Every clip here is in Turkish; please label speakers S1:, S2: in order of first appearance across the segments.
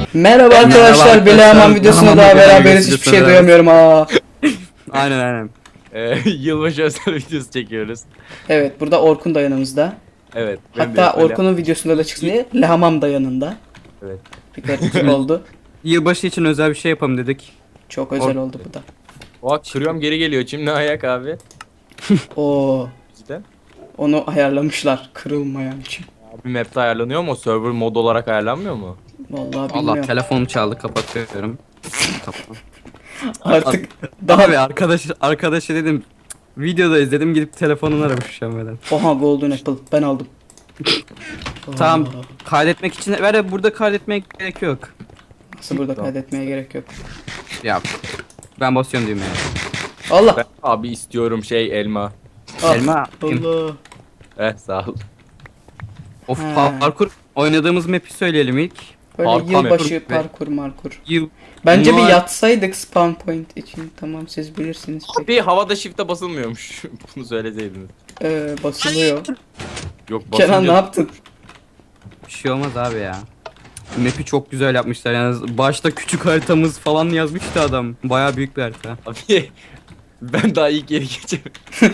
S1: Merhaba arkadaşlar, Belehaman videosunda daha beraberiz, hiçbir şey duyamıyorum ha.
S2: Aynen.
S3: Yılbaşı özel videosu çekiyoruz.
S1: Evet, burada Orkun da yanımızda.
S3: Evet. ben
S1: Hatta
S3: de öyle-
S1: Orkun'un videosunda da çıksın diye Lehamam da yanında.
S3: Evet.
S1: Bir gariplik oldu.
S2: Yılbaşı için özel bir şey yapalım dedik.
S1: Çok özel oldu bu da.
S3: Oha kırıyorum geri geliyor. Şimdi ayak abi.
S1: Oo,
S3: Cidden.
S1: onu ayarlamışlar kırılmayan için.
S3: Abi map'te ayarlanıyor mu? Server mod olarak ayarlanmıyor mu?
S1: Vallahi
S2: Allah
S1: bilmiyorum.
S2: telefonum çaldı, kapatıyorum. Kapat.
S1: Artık
S2: Daha
S1: daha
S2: bir arkadaşı dedim. Videoda izledim, gidip telefonunu aramış şu an böyle.
S1: Oha, Golden Apple ben aldım.
S2: Tamam,
S1: Oo,
S2: kaydetmek için burada kaydetmeye gerek yok.
S1: nasıl burada kaydetmeye gerek yok.
S2: Ya ben basıyorum düğmeye.
S1: Allah.
S3: Ben abi istiyorum elma.
S1: Ah,
S2: Elma.
S1: Allah.
S3: Sağ ol.
S2: Of,
S1: He.
S2: parkur oynadığımız map'i söyleyelim ilk.
S1: Böyle
S3: Parkur
S1: yılbaşı
S2: map.
S1: parkur markur.
S2: Yıl
S1: Bence bir
S2: Bunlar-
S1: yatsaydık spawn point için. Tamam, siz bilirsiniz. Peki.
S3: Abi havada shift'e basılmıyormuş. Bunu söyleseydiniz.
S1: Basılıyor.
S3: Yok
S1: Kenan ne
S3: basınca
S1: yaptın?
S2: bir şey olmaz abi ya. Map'i çok güzel yapmışlar yani. Başta küçük haritamız falan yazmıştı adam. Bayağı büyük bir harita.
S3: Abi ben daha ilk yeri geçemedim.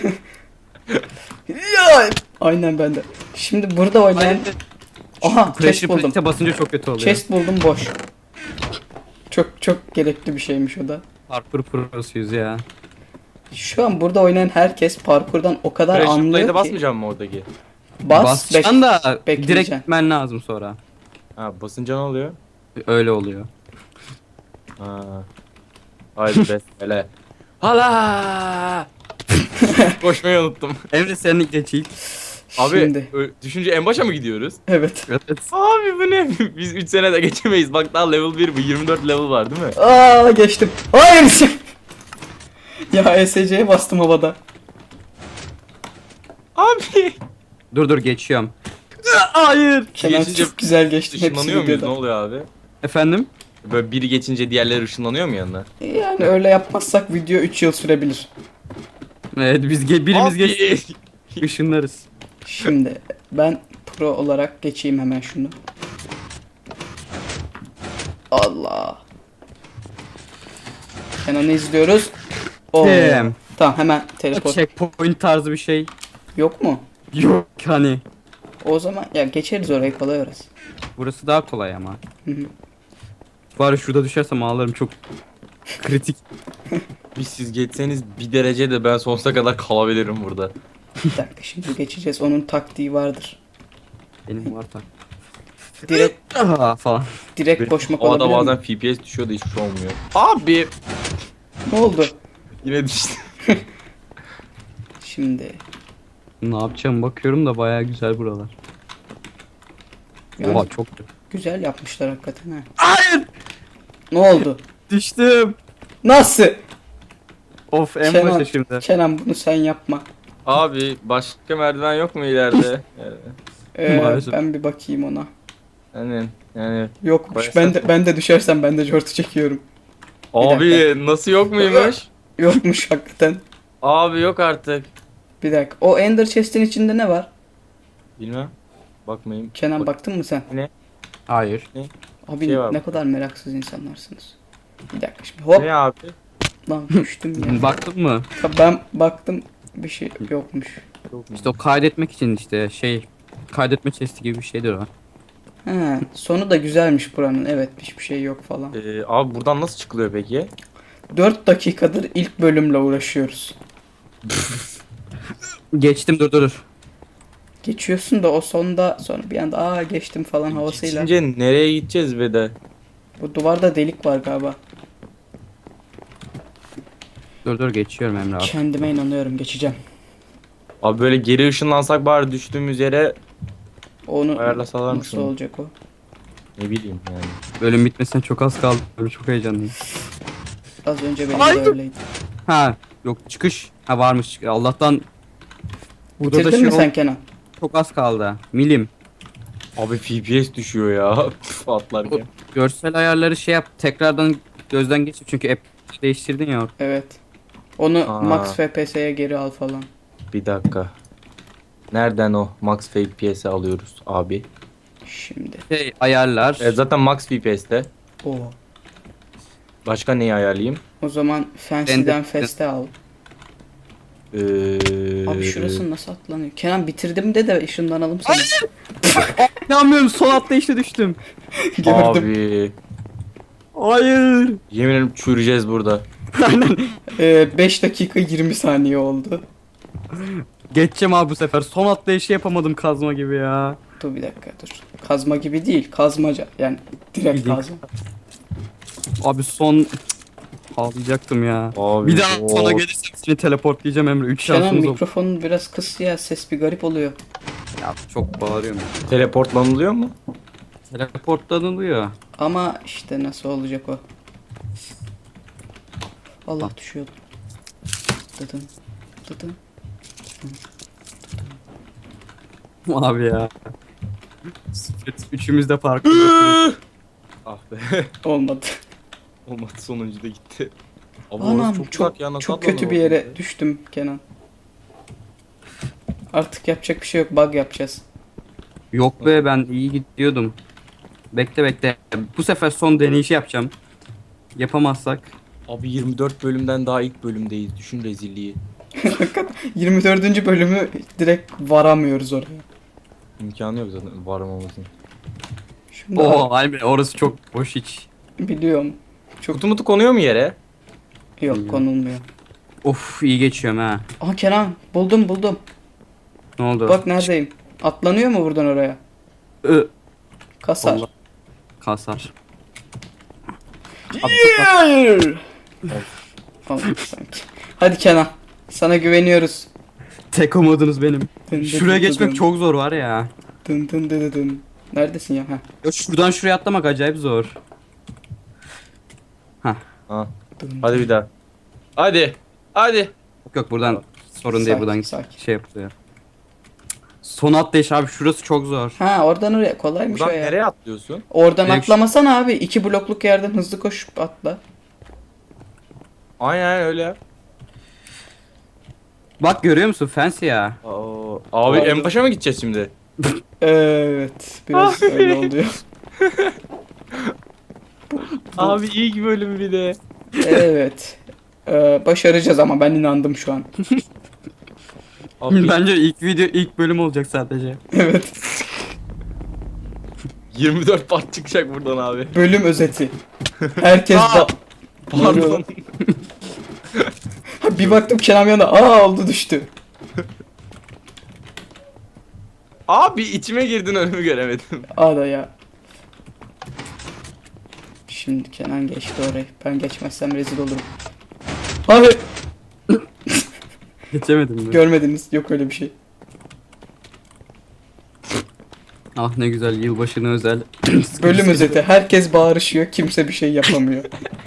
S1: Ya! Aynen bende. Şimdi burada oynayan... Aha, chest
S2: Pressure
S1: buldum.
S2: plate'e basınca çok kötü oluyor.
S1: Chest buldum, boş. Çok gerekli bir şeymiş o da.
S2: Parkur prosuyuz ya.
S1: Şu an burada oynayan herkes parkurdan o kadar
S3: Pressure
S1: anlıyor
S3: play'de
S1: ki.
S3: basmayacağım mı oradaki?
S2: Basacaksın da direkt
S1: bekleyeceksin.
S2: gitmen lazım sonra.
S3: Ha basınca ne oluyor?
S2: Öyle oluyor.
S3: Ha. Haydi besmele. Hala! Koşmayı unuttum.
S2: Emre senin geç ilk.
S3: Abi
S1: Şimdi.
S3: düşünce en başa mı gidiyoruz?
S1: Evet.
S2: Evet.
S3: Abi bu ne? Biz 3 senede geçemeyiz. Bak daha level 1 bu. 24 level var değil mi?
S1: Aa, geçtim. Hayır. Ya ESC'ye bastım havada.
S3: Abi.
S2: Dur geçiyorum. Hayır.
S1: Kenan
S3: Geçince
S1: çok güzel geçtim hepsi
S3: Işınlanıyor muyuz? Ne
S1: videoda.
S3: oluyor abi?
S2: Efendim?
S3: Böyle biri geçince diğerleri ışınlanıyor mu yanına?
S1: Yani öyle yapmazsak video 3 yıl sürebilir.
S2: Evet birimiz
S3: Abi.
S2: geç ışınlarız.
S1: Şimdi ben pro olarak geçeyim hemen şunu. Allah. Kenan'ı izliyoruz. Oo.
S2: Damn.
S1: Tamam, hemen teleport.
S2: Checkpoint tarzı bir şey
S1: Yok mu?
S2: yok hani.
S1: O zaman ya geçeriz orayı, kolay orası.
S2: Burası daha kolay ama.
S1: Hı hı.
S2: Bari şurada düşersem ağlarım, çok kritik.
S3: Biz siz geçseniz bir derece de ben sonsuza kadar kalabilirim burada.
S1: Bir dakika, şimdi geçeceğiz. Onun taktiği vardır.
S2: Benim var da.
S1: Direkt
S2: Falan.
S1: direkt koşmak
S3: Havada
S1: olabilir
S3: bazen
S1: mi?
S3: FPS düşüyor da hiçbir şey olmuyor. Abi.
S1: Ne oldu?
S3: Yine düştü.
S1: Şimdi.
S2: Ne yapacağım bakıyorum da bayağı güzel buralar.
S1: Yani
S2: Oha çok
S1: güzel yapmışlar hakikaten ha.
S2: Hayır!
S1: Ne oldu?
S2: Düştüm.
S1: Nasıl?
S2: Of, en
S1: Kenan,
S2: başa şimdi.
S1: Kenan bunu sen yapma.
S3: Abi başka merdiven yok mu ileride?
S2: Maalesef.
S1: Ben bir bakayım ona.
S3: Yani
S1: Yokmuş.
S3: Bayağı
S1: Ben de düşersem ben de jortu çekiyorum.
S3: abi nasıl yok muymuş?
S1: Yokmuş hakikaten.
S3: Abi yok artık.
S1: Bir dakika. O Ender Chest'in içinde ne var?
S3: Bilmem. Bakmayayım.
S1: Kenan, baktın mı sen?
S2: Hayır.
S1: Abi
S3: Şey var
S1: ne
S3: burada.
S1: kadar meraksız insanlarsınız. Bir dakika şimdi. Hop
S3: Ne abi?
S1: lan, düştüm ya.
S2: Baktın mı?
S1: Ben baktım, bir şey yokmuş.
S2: İşte o kaydetmek için işte kaydetme chesti gibi bir şeydir o.
S1: He, sonu da güzelmiş buranın. Evet, hiçbir şey yok falan.
S3: Abi buradan nasıl çıkılıyor peki?
S1: 4 dakikadır ilk bölümle uğraşıyoruz.
S2: Geçtim, dur.
S1: Geçiyorsun da o sonda sonra bir anda geçtim falan havasıyla.
S3: Geçince nereye gideceğiz be de?
S1: Bu duvarda delik var galiba.
S2: Dur geçiyorum Emre abi.
S1: Kendime inanıyorum, geçeceğim.
S3: Abi böyle geri ışınlansak bari düştüğümüz yere
S1: Onu
S3: ayarlasalar
S1: nasıl
S3: mısın?
S1: olacak o?
S3: Ne bileyim yani.
S2: Bölüm bitmesine çok az kaldı. Böyle çok heyecanlıyım.
S1: Az önce benim
S2: Ay!
S1: de öyleydi.
S2: Ha, yok çıkış. Ha, varmış. Allah'tan burada da
S1: Bitirdin
S2: şey
S1: mi sen Kenan?
S2: çok az kaldı. Milim.
S3: Abi FPS düşüyor ya. Atlarken.
S2: Görsel ayarları şey yap. Tekrardan gözden geçir çünkü app değiştirdin ya.
S1: Evet. Onu
S3: Aa.
S1: max FPS'ye geri al falan.
S3: Bir dakika. Nereden o max FPS alıyoruz abi?
S1: Şimdi.
S2: Ayarlar.
S3: Zaten max FPS'te.
S1: Oo.
S3: Başka neyi ayarlayayım?
S1: O zaman Fancy'den Feste al.
S3: Ee,
S1: Abi şurası nasıl atlanıyor? Kenan bitirdim de ışınlanalım sana.
S2: İnanmıyorum, son atlayışta düştüm.
S1: Gördüm.
S3: Abi.
S2: Hayır.
S3: Yemin ederim çürüyeceğiz burada.
S2: Aynen.
S1: 5 dakika 20 saniye oldu.
S2: Geçeceğim abi bu sefer. Son atlayışı yapamadım kazma gibi ya.
S1: Dur bir dakika dur. Kazma gibi değil. Kazmaca. Yani direkt
S2: Bildiğin-
S1: kazma.
S2: Abi son... Ağlayacaktım ya.
S3: Abi,
S2: Bir daha
S3: of.
S2: sona gelirsem seni teleportlayacağım Emre. 3
S1: Kenan
S2: şansımız oldu.
S1: mikrofonun biraz kıs ya. Ses bir garip oluyor.
S2: Ya çok bağırıyorum.
S3: Teleportlanılıyor mu?
S2: Teleportlanılıyor.
S1: Ama işte nasıl olacak o? Allah düşüyordu. Dıdın. Dıdın.
S2: Abi ya. Üçümüz de farklı.
S3: Ah be.
S1: Olmadı.
S3: Olmadı, sonuncu da gitti. Abi orası
S1: Anam
S3: çok
S1: çok
S3: uzak ya, nasıl
S1: çok
S3: atlanır
S1: kötü bir
S3: oraya?
S1: yere düştüm Kenan. Artık yapacak bir şey yok. Bug yapacağız.
S2: Yok be, ben iyi gidiyordum. Bekle bekle. Bu sefer son deneyişi yapacağım. Yapamazsak.
S3: Abi 24 bölümden daha ilk bölümdeyiz. Düşün rezilliği.
S1: 24. bölümü direkt varamıyoruz oraya.
S3: İmkanı yok zaten varamamızın.
S1: Şimdi
S2: Oo Emre, orası çok boş hiç.
S1: biliyorum. Çok
S3: Kutu mutu konuyor mu yere?
S1: yok konulmuyor.
S2: Of, iyi geçiyorum ha.
S1: Aha Kenan buldum.
S2: Ne oldu?
S1: Bak neredeyim. Atlanıyor mu buradan oraya?
S2: Ö,
S1: Kasar.
S2: Allah. Kasar.
S1: Hayır. Olmadı sanki. Hadi Kenan. Sana güveniyoruz.
S2: Tek umudunuz benim.
S1: Dın dın
S2: Şuraya
S1: dın
S2: geçmek
S1: dın.
S2: çok zor var ya.
S1: Dın dın dın dın. Neredesin ya? Heh.
S2: Ya şuradan şuraya atlamak acayip zor.
S3: Ha.
S1: Dın
S3: Hadi bir daha. Hadi. Hadi.
S2: Yok yok, buradan sorun değil,
S1: Sakin,
S2: buradan
S1: sakin.
S2: şey yapılıyor. Son atlayış abi, şurası çok zor.
S1: Ha oradan oraya kolaymış
S3: Buradan
S1: o ya.
S3: nereye atlıyorsun?
S1: Oradan
S2: Direkt-
S1: atlamasana abi. 2 blokluk yerden hızlı koşup atla.
S3: Aynen öyle.
S2: Bak görüyor musun, fancy ya.
S3: Abi
S1: Abi.
S3: en başa mı gideceğiz şimdi?
S1: Evet. Biraz
S3: Abi.
S1: öyle oluyor.
S3: Abi ilk bölüm bir de.
S1: Evet. Başaracağız ama ben inandım şu an.
S3: Abi
S2: Bence ilk bölüm olacak sadece.
S1: Evet.
S3: 24 part çıkacak buradan abi.
S1: Bölüm özeti. Herkes
S3: Aa! Pardon.
S1: Bir baktım Kenan yana oldu düştü.
S3: Abi içime girdin, önümü göremedim.
S1: Da ya. Şimdi Kenan geçti orayı. Ben geçmezsem rezil olurum. Hayır.
S2: Geçemedim mi?
S1: Görmediniz. Yok öyle bir şey.
S2: Ah ne güzel, yılbaşına özel.
S1: Bölüm özeti. Herkes bağırışıyor. Kimse bir şey yapamıyor.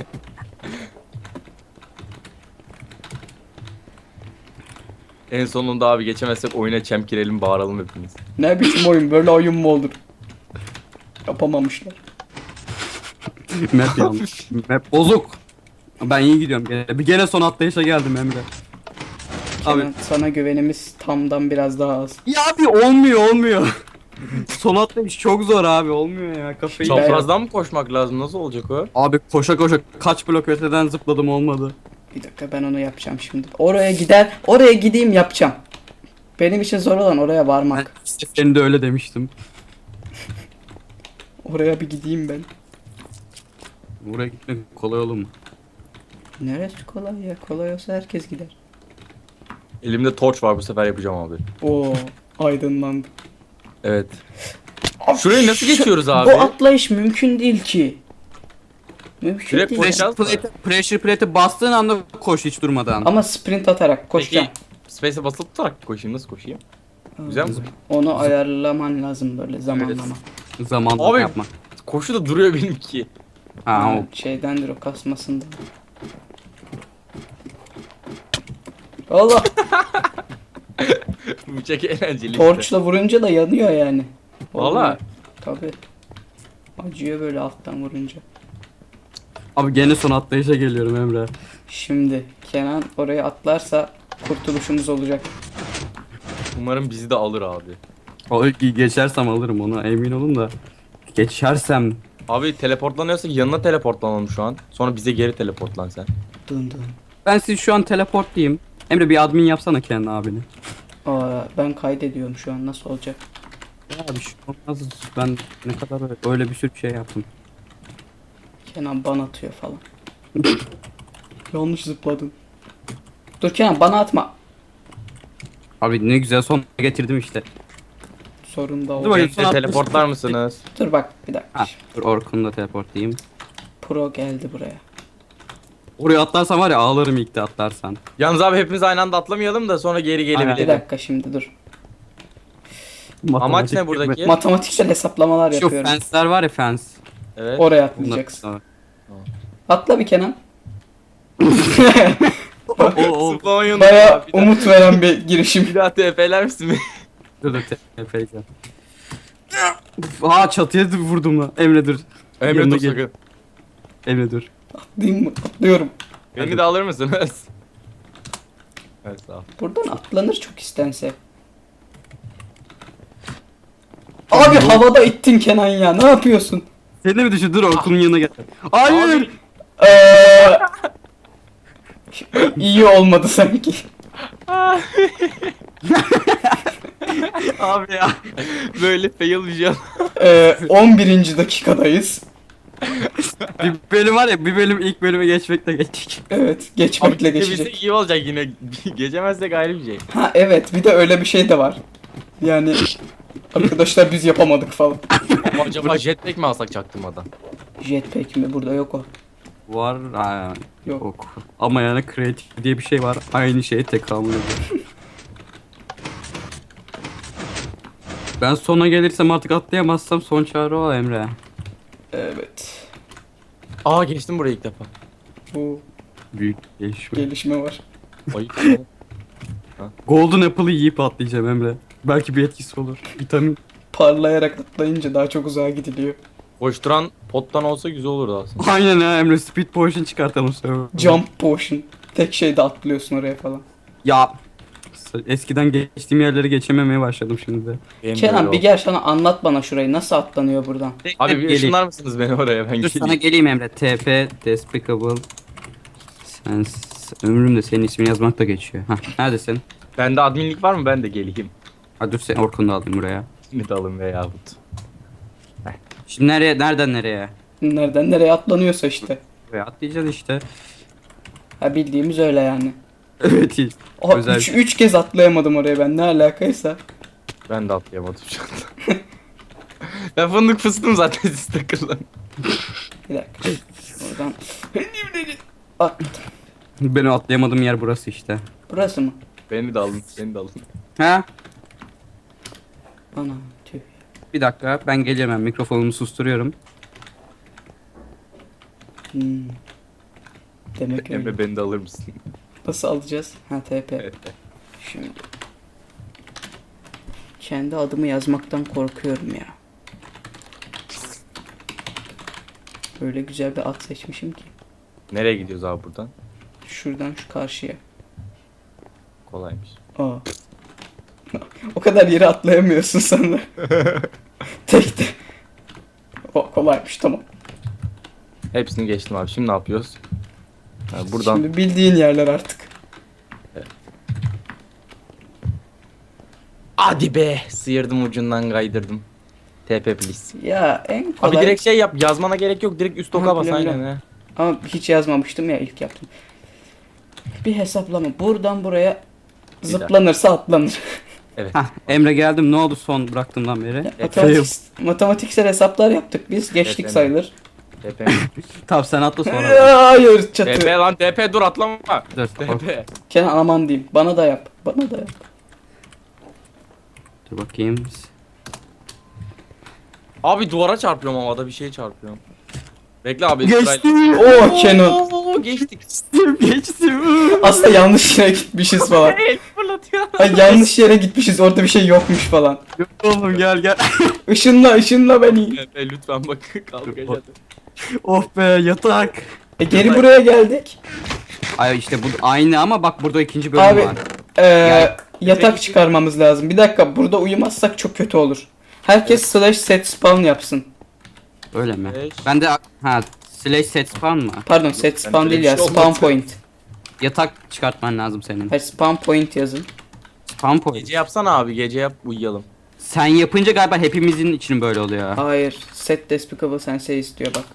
S3: En sonunda abi geçemezsek oyuna çemkirelim, bağıralım hepimiz.
S1: Ne biçim oyun? Böyle oyun mu olur? Yapamamışlar.
S2: Map yanlış. Map bozuk. Ben iyi gidiyorum gene. Gene son atlayışa geldim Emre. Abi.
S1: Kenan sana güvenimiz tamdan biraz daha az.
S2: Ya abi olmuyor. Son atlayış çok zor abi, olmuyor ya, kafayı.
S1: Çap-
S3: Çaprazdan mı koşmak lazım? Nasıl olacak o?
S2: Abi koşa koşa kaç blok öteden zıpladım, olmadı.
S1: Bir dakika ben onu yapacağım şimdi. Oraya gideyim yapacağım. Benim için zor olan oraya
S2: Ben
S1: varmak.
S2: seferinde öyle demiştim.
S1: Oraya bir gideyim ben.
S2: Buraya gitmek kolay olur mu?
S1: Neresi kolay ya? Kolay olsa herkes gider.
S3: Elimde torç var, bu sefer yapacağım abi.
S1: Oo, aydınlandı.
S3: Evet.
S1: Abi,
S3: Şurayı nasıl geçiyoruz abi?
S1: Bu atlayış mümkün değil ki. Mümkün
S3: Direkt
S1: değil.
S3: koşacağız.
S2: Pressure plate'e bastığın anda koş hiç durmadan.
S1: Ama sprint atarak koşacağım.
S3: Peki Space'e basılı tutarak koşayım, nasıl koşayım? Güzel mi?
S1: Onu ayarlaman lazım böyle zamanlama.
S2: Zamanla
S3: Abi-
S2: yapma.
S3: Koşu da duruyor benimki.
S2: Ha, o.
S1: Şeydendir o kasmasından. Allah,
S3: Bu çok eğlenceli işte.
S1: torçla vurunca da yanıyor yani.
S3: Valla.
S1: Tabi. Acıyor böyle alttan vurunca.
S2: Abi gene son atlayışa geliyorum Emre.
S1: Şimdi Kenan oraya atlarsa kurtuluşumuz olacak.
S3: Umarım bizi de alır abi.
S2: O geçersem alırım onu, emin olun da. Geçersem
S3: Abi teleportlanıyorsa yanına teleportlanalım şu an. Sonra bize geri teleportlan sen.
S1: Dın dın.
S2: Ben sizi şu an teleportlayayım. Emre bir admin yapsana kendi abini.
S1: Aa, ben kaydediyorum şu an, nasıl olacak?
S2: Ya bir şey olmaz. Ben ne kadar öyle bir sürü şey yaptım.
S1: Kenan ban atıyor falan. Yanlış zıpladım. Dur Kenan, bana atma.
S2: Abi ne güzel son getirdim işte.
S1: Sorun da
S2: Dur
S1: olacak.
S2: bakayım.
S3: Bize teleportlar mısınız?
S1: Dur bak bir dakika.
S2: Ha, dur Orkun'u da teleportlayayım.
S1: Pro geldi buraya.
S2: Oraya atlarsan var ya ağlarım ilk de atlarsan.
S3: Yalnız abi hepimiz aynı anda atlamayalım da sonra geri
S1: Bir
S3: gelebilelim.
S1: dakika şimdi dur.
S3: Amaç ne buradaki?
S1: Matematiksel hesaplamalar
S2: Şu
S1: yapıyorum.
S2: fensler var ya fence.
S3: Evet.
S1: Oraya
S2: Bunlar-
S1: atlayacaksın. Atla bir Kenan.
S2: O
S3: Zıplamayı unutma.
S1: Baya
S3: Bir daha-
S1: umut veren bir girişim.
S3: Bir daha TP'ler misin?
S2: dur tepeyeceğim. Aa çatıya vurdum lan. Emre dur.
S3: Emre
S2: Yanına
S3: dur
S2: gel.
S3: sakın.
S2: Emre dur.
S1: Atlayayım mı? Atlıyorum.
S3: Beni de alır mısınız? Evet sağ ol.
S1: Buradan atlanır çok istense. Abi havada ittin Kenan ya, ne yapıyorsun?
S2: Sen de mi düşün? Dur Orkun'un yanına gel. Hayır.
S1: Eee iyi olmadı sanki.
S2: Abi ya.
S3: Böyle fail bir şey.
S1: 11. dakikadayız.
S2: Bir bölüm var ya bir bölüm ilk bölüme geçmekle geçtik.
S1: Evet,
S3: Abi
S1: geçmekle
S3: geçecek.
S1: geçecek.
S3: iyi olacak yine. Geçemezsek ayrı bir şey.
S1: Ha evet, bir de öyle bir şey de var. Yani arkadaşlar biz yapamadık falan.
S3: Ama acaba jetpack mi alsak çaktırmadan?
S1: Jetpack mi? Burada yok o.
S2: Var ha,
S1: Yok.
S2: yok. Ama yani kreatif diye bir şey var. Aynı şeye tekamül ediyor. Ben sona gelirsem artık atlayamazsam son çare o Emre.
S1: Evet.
S3: Aa geçtim buraya ilk defa.
S1: Bu
S2: Büyük gelişme.
S1: gelişme var.
S3: Ayıp.
S2: Golden Apple'ı yiyip atlayacağım Emre. Belki bir etkisi olur. Vitamin.
S1: Parlayarak atlayınca daha çok uzağa gidiliyor.
S3: Koşturan pottan olsa güzel olurdu aslında.
S2: Aynen ha Emre speed potion çıkartalım sonra.
S1: Jump potion. Tek şeyde atlıyorsun oraya falan.
S2: Ya eskiden geçtiğim yerleri geçememeye başladım şimdi de.
S3: Benim de
S1: Kenan
S3: öyle
S1: bir
S3: oldu.
S1: gel sana anlatmana şurayı nasıl atlanıyor buradan.
S3: Abi bir
S2: Geleyim.
S3: ışınlar mısınız beni oraya ben
S2: Dur sana
S3: geleyim.
S2: geleyim Emre. TP Despicable. Sen ömrümde senin ismini yazmakla geçiyor. Hah neredesin?
S3: Bende adminlik var mı ben de geleyim.
S2: Ha dur sen Orkun'u da alayım buraya.
S3: Şimdi de alın veyahut.
S2: Şimdi nereden nereye?
S1: Nereden nereye atlanıyorsa işte.
S2: Buraya atlayacağız işte.
S1: Ha bildiğimiz öyle yani.
S2: Evet.
S1: Oha,
S2: Özel.
S1: 3 kez atlayamadım oraya ben, ne alakaysa.
S3: Ben de atlayamadım şu anda. Ben fındık fıstım zaten siz takılın.
S1: Bir dakika. Oradan. At.
S2: Benim atlayamadığım yer burası işte.
S1: Burası mı?
S3: Beni de alın, beni de alın.
S2: Ha?
S1: Ana tüh.
S2: Bir dakika ben geliyorum ben mikrofonumu susturuyorum.
S1: Hmm. Demek öyle.
S3: Emre beni de alır mısın?
S1: Nasıl alacağız? Ha TP.
S3: Evet.
S1: Şimdi. Kendi adımı yazmaktan korkuyorum ya. Öyle güzel bir at seçmişim ki.
S3: Nereye gidiyoruz abi buradan?
S1: Şuradan şu karşıya.
S3: Kolaymış.
S1: Aa. O kadar yere atlayamıyorsun sen de. Tek de. O kolaymış, tamam.
S3: Hepsini geçtim abi. Şimdi ne yapıyoruz? Ha, buradan
S1: Şimdi bildiğin yerler artık.
S3: hadi be sıyırdım ucundan kaydırdım. TP please.
S1: Ya en kolay.
S3: Abi direkt şey yap yazmana gerek yok direkt üst
S1: Ha,
S3: oka bas
S1: biliyorum,
S3: aynen
S1: biliyorum.
S3: he.
S1: Ama hiç yazmamıştım ya, ilk yaptım. Bir hesaplama. Buradan buraya zıplanırsa atlanır.
S3: Evet.
S2: Hah Emre geldim ne oldu son bıraktığımdan beri?
S1: Matematiksel hesaplar yaptık biz. Geçtik
S3: Evet,
S1: sayılır.
S3: TP.
S2: Tamam sen atla sonra.
S1: Hayır
S3: TP
S1: çatı.
S3: lan TP dur atlama.
S2: Dur,
S3: TP.
S1: Kenan aman diyeyim. Bana da yap. Bana da yap.
S2: dur bakayım.
S3: Abi duvara çarpıyorum havada bir şeye çarpıyorum. Bekle abi.
S2: Geçtim.
S1: Oo Kenan.
S3: Oo, geçtik.
S2: Geçtim.
S1: Aslında yanlış yere gitmişiz falan.
S3: El fırlatıyor.
S1: Ay, yanlış yere gitmişiz. Orada bir şey yokmuş falan.
S2: Yok oğlum gel.
S1: Işınla beni.
S3: TP lütfen bak kalk hadi.
S2: Oh be yatak.
S1: Geri buraya geldik.
S2: Ay işte bu aynı ama bak burada ikinci bölüm
S1: Abi
S2: var.
S1: yatak çıkarmamız lazım. Bir dakika, burada uyumazsak çok kötü olur. Herkes slash set spawn yapsın.
S2: Öyle mi?
S3: Slash.
S2: Ben de slash set spawn mı?
S1: Pardon set spawn
S3: öyle
S1: değil
S3: bir
S1: ya
S3: şey
S1: spawn
S3: olmaz.
S1: point.
S2: Yatak çıkartman lazım senin.
S1: Hayır spawn point yazın.
S2: Spawn point.
S3: Gece yapsana abi, gece yap uyuyalım.
S2: Sen yapınca galiba hepimizin için böyle oluyor.
S1: Hayır set despicable sensei istiyor bak.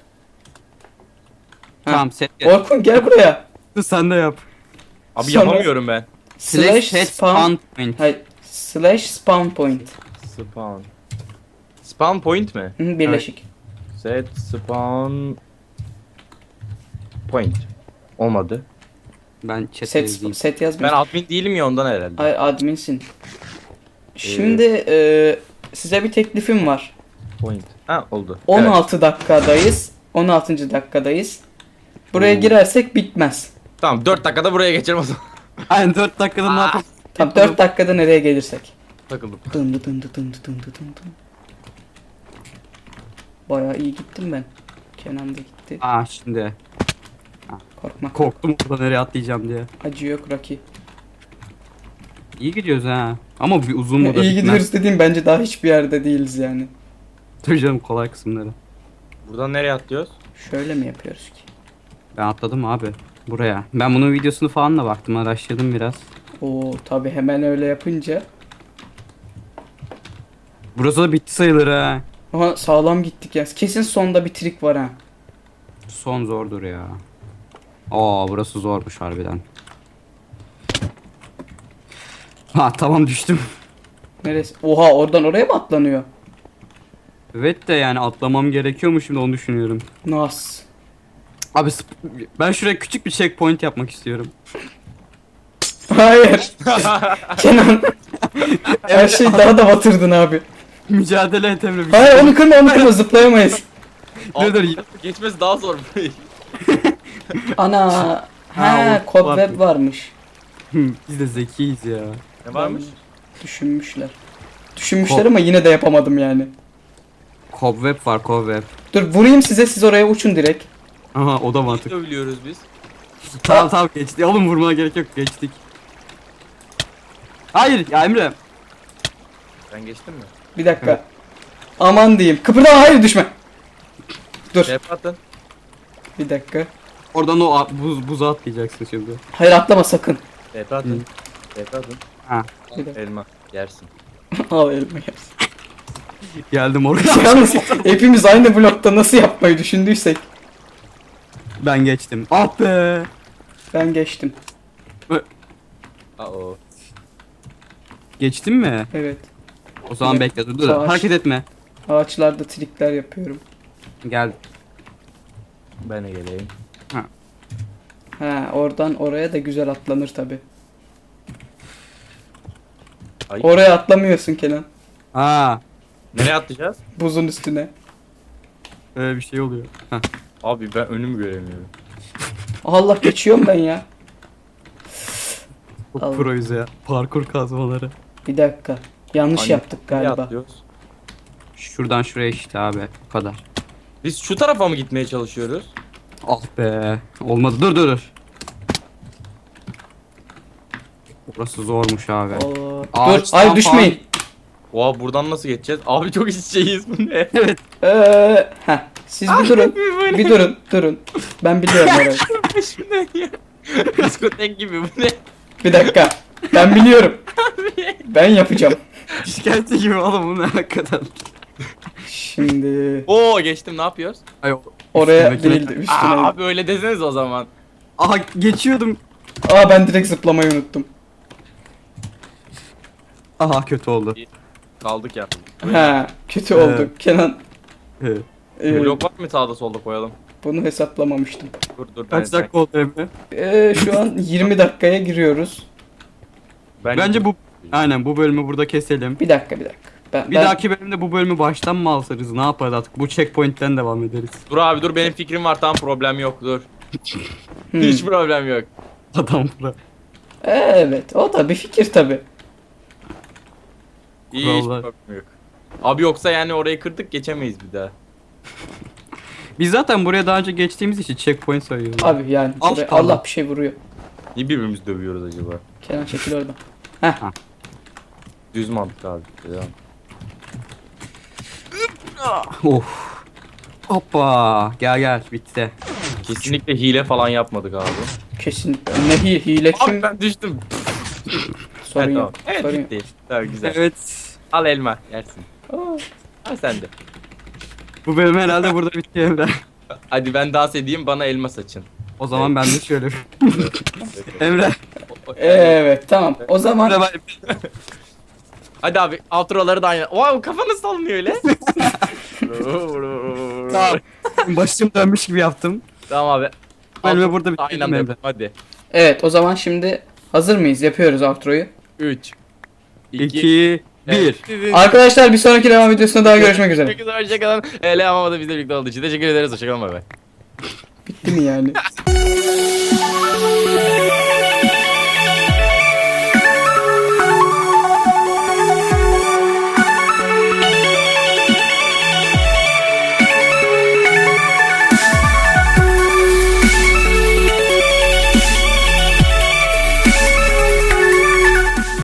S2: Tamam set.
S1: Orkun gel buraya.
S2: Sen de yap.
S3: Abi
S1: Sonra-
S3: yapamıyorum ben.
S2: Slash set spawn point.
S1: Hayır slash spawn point.
S3: Spawn. Spawn point mi?
S1: Hı, birleşik.
S3: Set spawn point. Olmadı.
S2: Ben chat'e
S1: Set,
S2: yazayım.
S1: set
S3: Ben
S1: yazmıyor.
S3: admin değilim ya ondan herhalde.
S1: Ay adminsin. Şimdi size bir teklifim var.
S3: Point. Ha oldu.
S1: 16 dakikadayız. 16. dakikadayız. Buraya girersek bitmez.
S3: Tamam 4 dakikada buraya geçelim o zaman.
S2: Aynen 4 dakikada ne yapalım?
S1: Tam 4 dakikada nereye gelirsek.
S3: Takıldım.
S1: Dındı dındı dındı dındı dındı. Bayağı iyi gittim ben. Kenan da gitti.
S2: Şimdi.
S1: Korkma.
S2: Korktum orada nereye atlayacağım diye.
S1: Acı yok Rocky.
S2: İyi gidiyoruz ha. Ama bir uzun mu da
S1: İyi
S2: bitmez.
S1: gidiyoruz dediğim bence daha hiçbir yerde değiliz yani.
S2: Tabii canım kolay kısımları.
S3: Buradan nereye atlıyoruz?
S1: Şöyle mi yapıyoruz ki?
S2: Ben atladım abi. Buraya. Ben bunun videosunu falan da baktım. Araştırdım biraz.
S1: Oo tabi hemen öyle yapınca.
S2: Burası da bitti sayılır ha.
S1: Aha sağlam gittik ya. Kesin sonda bir trik var ha.
S2: Son zordur ya. Aa burası zormuş harbiden. Ha tamam düştüm.
S1: Neresi? Oha oradan oraya mı atlanıyor?
S2: Evet de yani atlamam gerekiyor mu şimdi onu düşünüyorum.
S1: Nas.
S2: Abi ben şuraya küçük bir checkpoint yapmak istiyorum.
S1: Hayır. Kenan. Her şeyi daha da batırdın abi.
S2: Mücadele et Emre.
S1: Hayır onu kırma zıplayamayız.
S2: Dur, dur.
S3: Geçmesi daha zor.
S1: Ana.
S2: Ha,
S1: He cobweb varmış.
S2: Biz de zekiyiz ya.
S3: Ne varmış?
S1: Düşünmüşler. Düşünmüşler ama yine de yapamadım yani.
S2: Cobweb var cobweb.
S1: Dur vurayım size siz oraya uçun direkt.
S2: Aha o da mantık.
S3: Dövülüyoruz biz.
S2: Tamam geçti. Oğlum vurmana gerek yok geçtik. Hayır ya Emre.
S3: Ben geçtim mi?
S1: Bir dakika. Aman diyeyim. Kıpırdama hayır düşme. Dur.
S3: Rap atın.
S1: Bir dakika.
S2: Oradan o buza atlayacaksın şimdi.
S1: Hayır atlama sakın.
S3: Rap atın. Rap atın.
S2: Ha.
S1: Bir dakika.
S3: Elma. Yersin.
S1: Al elma yersin.
S2: Geldim oraya.
S1: Yalnız hepimiz aynı blokta nasıl yapmayı düşündüysek.
S2: Ben geçtim. Ah be.
S1: Ben geçtim.
S3: Aa.
S2: Geçtin mi?
S1: Evet.
S2: O zaman
S1: Bir
S2: bekle dur.
S1: Savaş.
S2: Hareket etme.
S1: Ağaçlarda trikler yapıyorum.
S2: Gel.
S3: Ben de geleyim.
S1: Ha oradan oraya da güzel atlanır tabi.
S3: Ay.
S1: Oraya atlamıyorsun Kenan.
S2: Ha.
S3: Nereye atlayacağız?
S1: Buzun üstüne.
S2: Öyle bir şey oluyor. Heh.
S3: Abi ben önümü göremiyorum.
S1: Allah geçiyorum ben ya.
S2: Çok
S1: Allah.
S2: proyuz ya. Parkur kazmaları.
S1: Bir dakika. Yanlış
S3: Hani
S1: yaptık
S3: nereye
S1: galiba.
S3: atlıyoruz?
S2: Şuradan şuraya işte abi. Bu kadar.
S3: Biz şu tarafa mı gitmeye çalışıyoruz?
S2: Ah be. Olmadı. Dur. Burası zormuş abi.
S1: Oo. Dur.
S2: Ağaçtan
S1: Ay düşmeyin.
S3: Oha buradan nasıl geçeceğiz? Abi çok iç içeyiz bu ne?
S2: Evet.
S1: Heh. Siz bir durun. Bir durun. Ben biliyorum orayı.
S3: Şu ne ya? Diskotek gibi bu ne?
S1: Bir dakika. Ben biliyorum. Ben yapacağım.
S2: İşkence gibi oğlum bu ne hakikaten.
S1: Şimdi
S3: Oo geçtim ne yapıyoruz?
S2: Ay,
S1: oraya
S2: üstündeki-
S1: değildi üstüne.
S3: Abi öyle deseniz o zaman.
S2: Aha geçiyordum.
S1: Aa ben direkt zıplamayı unuttum.
S2: Aha kötü oldu.
S3: Kaldık ya.
S1: Ha kötü oldu. Kenan
S2: He.
S3: Blok var mı sağda solda koyalım?
S1: bunu hesaplamamıştım.
S3: Dur
S2: Kaç dakika oldu Emre?
S1: Şu an 20 dakikaya giriyoruz.
S2: Bence bu aynen bu bölümü burada keselim.
S1: Bir dakika.
S2: Bir dahaki bölümde bu bölümü baştan mı alırız? Ne yaparız artık? Bu checkpoint'ten devam ederiz.
S3: Dur abi dur benim fikrim var tamam problem yok dur. Hiç problem yok.
S2: Adam bura.
S1: Evet o da bir fikir tabi.
S3: İyi hiç
S2: Vallahi.
S3: problem yok. Abi yoksa yani orayı kırdık geçemeyiz bir daha.
S2: Biz zaten buraya daha önce geçtiğimiz için checkpoint sayıyoruz.
S1: Abi yani
S2: Al
S1: buraya
S2: kaldı.
S1: Allah bir şey vuruyor.
S3: Niye birbirimizi dövüyoruz acaba?
S1: Kenan çekil oradan.
S3: Düz mantık abi. Devam.
S2: Of. Hoppa. Gel gel bitti.
S3: Kesinlikle hile falan yapmadık abi.
S1: Kesin. Ne hile kim?
S3: Abi ben düştüm.
S1: Sorun
S3: Evet,
S1: yok.
S3: tamam. Evet
S1: Sorun yok.
S3: bitti. Tamam güzel.
S2: Evet.
S3: Al elma yersin.
S1: Aa,
S3: Al sen de.
S2: Bu bölüm herhalde burada bitti Emre.
S3: Hadi ben dans edeyim bana elma saçın.
S2: O zaman ben de şöyle. Emre.
S1: evet tamam. O zaman
S2: Emre
S3: Hadi abi outroları da aynı. Wow kafanız sallanıyor öyle.
S2: Tamam. Başım dönmüş gibi yaptım.
S3: Tamam abi.
S2: Bölümü
S3: Outro
S2: burada
S3: da
S2: bitirdim
S3: aynı anda
S2: Emre.
S3: yapalım, hadi.
S1: evet o zaman şimdi hazır mıyız? Yapıyoruz outro'yu.
S3: 3
S2: 2 1.
S1: Arkadaşlar bir sonraki devam videosunda daha görüşmek üzere.
S3: Hoşçakalın. Hoşçakalın. Ele ama da bizle birlikte olduğu için teşekkür ederiz. Hoşçakalın bay bay.
S1: Bitti mi yani?